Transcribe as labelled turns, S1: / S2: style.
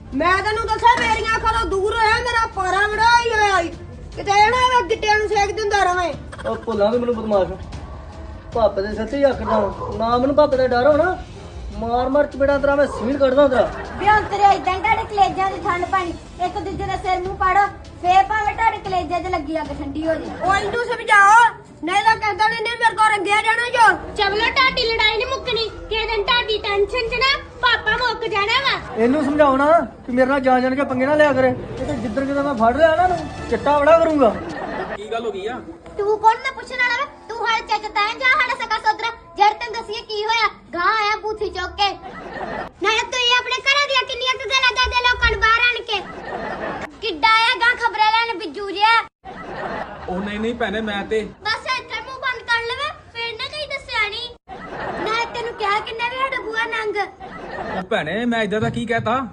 S1: ਮੈਂ ਤੈਨੂੰ ਦੱਸਿਆ ਮੇਰੀਆਂ ਅੱਖਾਂ ਤੋਂ ਦੂਰ ਹੋਇਆ ਮੇਰਾ ਪਾਰਾ ਬੜਾ ਹੀ ਹੋਇਆ ਈ। ਕਿਤੇ ਨਾ ਵੇ ਗਿੱਟਿਆਂ ਨੂੰ ਸੇਕ ਦਿੰਦਾ ਰਵੇਂ।
S2: ਉਹ ਭੁੱਲਾਂ ਵੀ ਮੈਨੂੰ ਬਦਮਾਸ਼ ਪਾਪੇ ਦੇ ਸੱਚੇ ਆਖਦਾ ਨਾ ਮੈਨੂੰ ਪਾਪੇ ਦਾ ਡਰ ਹੋਣਾ ਮਾਰ ਮਾਰ ਚਪੇੜਾ ਤੇਰਾ ਮੈਂ ਸੀਲ ਕੱਢਦਾ ਤੇਰਾ
S3: ਬਿਆਨ ਤੇਰੇ ਇਦਾਂ ਤੁਹਾਡੇ ਕਲੇਜਾਂ ਦੀ ਠੰਡ ਪਾਣੀ ਇੱਕ ਦੂਜੇ ਦੇ ਸਿਰ ਨੂੰ ਪਾੜੋ ਫੇਰ ਭਾਵੇਂ ਤੁਹਾਡੇ ਕਲੇਜਾਂ 'ਚ ਲੱਗੀ ਅੱਗ ਠੰਡੀ ਹੋ ਜੇ।
S1: ਉਹ ਇਹਨੂੰ ਸਮਝਾਓ ਨਹੀਂ ਤਾਂ ਕਹਿੰਦਾ ਨਹੀਂ ਮੇਰੇ ਕੋਲ ਰੰਗਿਆ ਜਾਣਾ ਜੋ।
S4: ਚਵਲੋ ਤੁਹਾਡੀ ਲੜਾਈ ਨਹੀਂ ਮੁੱਕਣੀ ਕਿਸੇ ਦਿਨ ਤੁਹਾਡੀ ਟੈਨਸ਼ਨ 'ਚ ਨਾ ਪਾਪਾ ਮੁੱਕ ਜਾਣਾ ਵਾ।
S2: ਇਹਨੂੰ ਸਮਝਾਉਣਾ ਕਿ ਮੇਰੇ ਨਾਲ ਜਾਣ ਕੇ ਪੰਗੇ ਨਾ ਲਿਆ ਕਰੇ ਇਹ ਤੇ ਜਿੱਧਰ ਕਿਤੇ ਮੈਂ ਫੜ ਲਿਆ ਨਾ ਨੂੰ ਚਿੱਟਾ ਬੜਾ ਕਰੂੰਗਾ।
S5: ਕੀ ਗੱਲ ਹੋ ਗਈ ਆ?
S3: ਤੂੰ ਕੌਣ ਨਾ ਪੁੱਛਣ ਵਾਲਾ ਵਾ ਤੂੰ ਹਾਲੇ ਚੱਜ ਤਾਂ ਜਾ ਸਾਡਾ ਸਕਾ ਸੋਦਰਾ ਜੜ ਤੈਨੂੰ ਦੱਸੀਏ ਕੀ ਹੋਇਆ ਗਾਂ ਆਇਆ ਬੂਥੀ ਚੁੱਕ ਕੇ ਨਾਲੇ ਤੂੰ ਆਪਣੇ ਘਰਾਂ ਦੀਆਂ ਕਿੰਨੀਆਂ ਕੁ ਗੱਲਾਂ ਦੱਸਦੇ ਲੋਕਾਂ ਨੂੰ ਬਾਹਰ ਆਣ ਕੇ ਕਿੱਡਾ ਆਇਆ ਗਾਂ ਖਬਰਾਂ ਲੈਣ ਬਿੱਜੂ ਜਿਹਾ।
S5: ਉਹ ਨਹੀਂ ਭੈਣੇ ਮੈਂ ਤੇ
S3: ਬਸ ਇੱਥੇ ਮੂੰਹ ਬੰਦ ਕਰ ਲਵੇ ਫੇਰ ਨਾ ਕਹੀਂ ਦੱਸਿਆ ਨਹੀਂ ਨਾ ਤੈਨੂੰ ਕਿਹਾ ਕਿੰਨੇ ਵੀ ਸਾਡਾ ਬੂਆ ਨੰਗ
S5: ਉਹ ਭੈਣੇ ਮੈਂ ਇਦਾਂ ਦਾ ਕੀ ਕਹਿਤਾ?